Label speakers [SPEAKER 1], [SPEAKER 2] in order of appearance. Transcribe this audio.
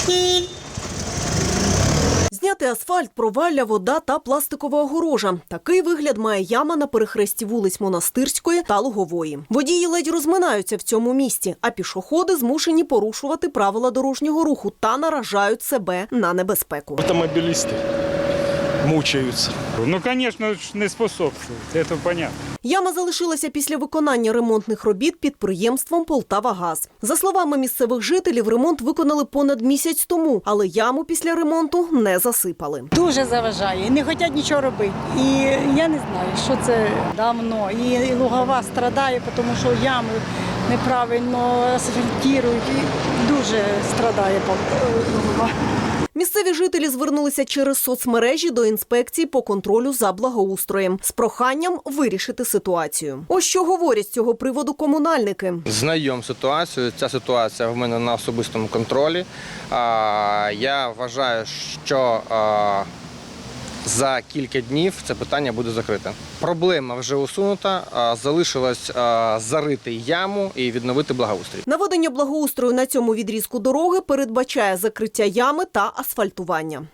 [SPEAKER 1] Зняти асфальт, провалля, вода та пластикова огорожа. Такий вигляд має яма на перехресті вулиць Монастирської та Лугової. Водії ледь розминаються в цьому місті, а пішоходи змушені порушувати правила дорожнього руху та наражають себе на небезпеку.
[SPEAKER 2] Автомобилисты мучаются.
[SPEAKER 3] Ну, конечно, не способствует, это понятно.
[SPEAKER 1] Яма залишилася після виконання ремонтних робіт підприємством «Полтавагаз». За словами місцевих жителів, ремонт виконали понад місяць тому, але яму після ремонту не засипали.
[SPEAKER 4] Дуже заважає, не хочуть нічого робити. І я не знаю, що це давно. І Лугова страдає, тому що ями неправильно асфальтують. І дуже страдає Лугова.
[SPEAKER 1] Місцеві жителі звернулися через соцмережі до інспекції по контролю за благоустроєм з проханням вирішити ситуацію. Ось що говорять з цього приводу комунальники.
[SPEAKER 5] Знайом ситуацію. Ця ситуація в мене на особистому контролі. Я вважаю, що за кілька днів це питання буде закрите. Проблема вже усунута, залишилось зарити яму і відновити благоустрій.
[SPEAKER 1] Наведення благоустрою на цьому відрізку дороги передбачає закриття ями та асфальтування.